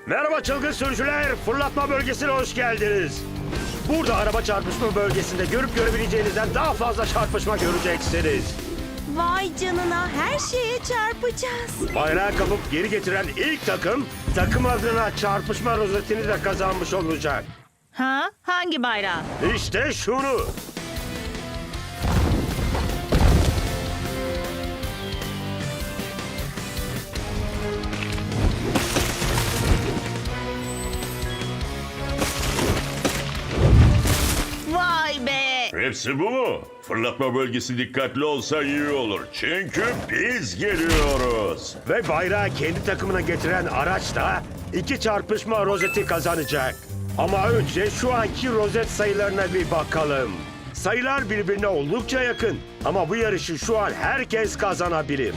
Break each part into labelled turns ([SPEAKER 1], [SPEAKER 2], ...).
[SPEAKER 1] Merhaba çılgın sürücüler, fırlatma bölgesine hoş geldiniz. Burada araba çarpışma bölgesinde görüp görebileceğinizden daha fazla çarpışma göreceksiniz.
[SPEAKER 2] Vay canına, her şeye çarpacağız.
[SPEAKER 1] Bayrağı kapıp geri getiren ilk takım adına çarpışma rozetini de kazanmış olacak.
[SPEAKER 3] Ha? Hangi bayrağı?
[SPEAKER 1] İşte şunu.
[SPEAKER 3] Vay be!
[SPEAKER 4] Hepsi bu mu? Fırlatma bölgesi dikkatli olsa iyi olur. Çünkü biz geliyoruz.
[SPEAKER 1] Ve bayrağı kendi takımına getiren araç da 2 çarpışma rozeti kazanacak. Ama önce şu anki rozet sayılarına bir bakalım. Sayılar birbirine oldukça yakın. Ama bu yarışı şu an herkes kazanabilir.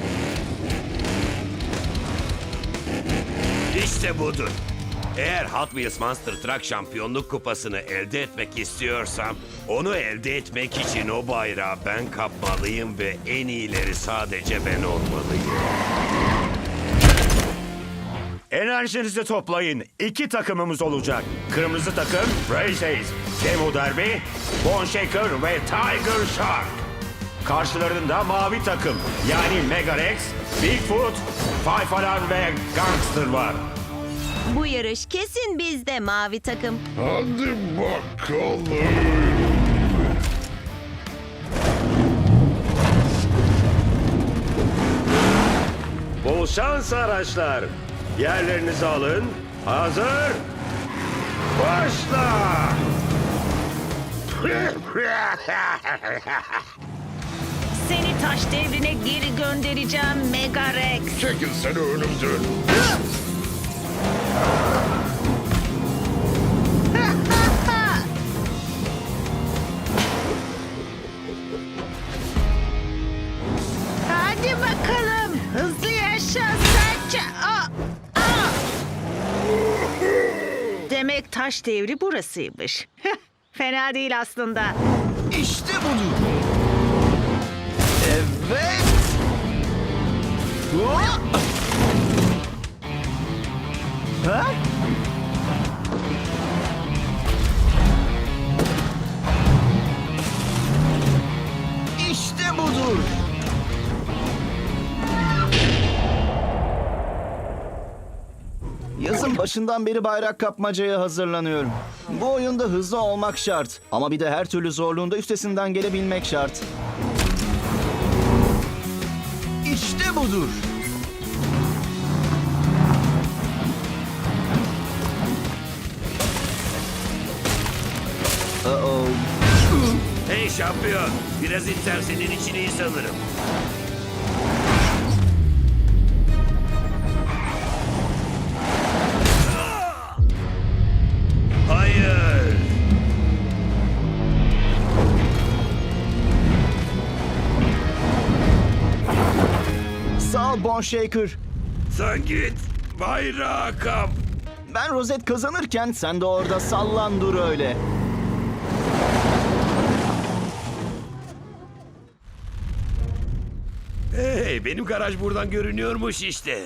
[SPEAKER 5] İşte budur. Eğer Hot Wheels Monster Truck Şampiyonluk Kupası'nı elde etmek istiyorsam, onu elde etmek için o bayrağı ben kapmalıyım ve en iyileri sadece ben olmalıyım.
[SPEAKER 1] Enerjinizi toplayın. 2 takımımız olacak. Kırmızı takım Race Ace, Demo Derby, Bone Shaker ve Tiger Shark. Karşılarında mavi takım yani Mega Rex, Bigfoot, Five Alarm ve Gangster var.
[SPEAKER 2] Bu yarış kesin bizde mavi takım.
[SPEAKER 4] Hadi bakalım.
[SPEAKER 1] Bol şans araçlar. Yerlerinizi alın. Hazır. Başla.
[SPEAKER 3] Seni taş devrine geri göndereceğim Mega Rex.
[SPEAKER 4] Çekilsene önümden.
[SPEAKER 3] Hadi bakalım. Hızlı yaşa serçe. Demek taş devri burasıymış. Fena değil aslında.
[SPEAKER 6] İşte budur. Evet. Hop! Ha? İşte budur. Yazın başından beri bayrak kapmacaya hazırlanıyorum. Bu oyunda hızlı olmak şart. Ama bir de her türlü zorluğunda üstesinden gelebilmek şart. İşte budur. Uh-oh.
[SPEAKER 5] Hey şampiyon, biraz iter senin için iyi sanırım. Hayır.
[SPEAKER 6] Sağ ol Bone Shaker.
[SPEAKER 5] Sen git, bayrağı kap.
[SPEAKER 6] Ben rozet kazanırken sen de orada sallan dur öyle.
[SPEAKER 5] Hey, benim garaj buradan görünüyormuş işte.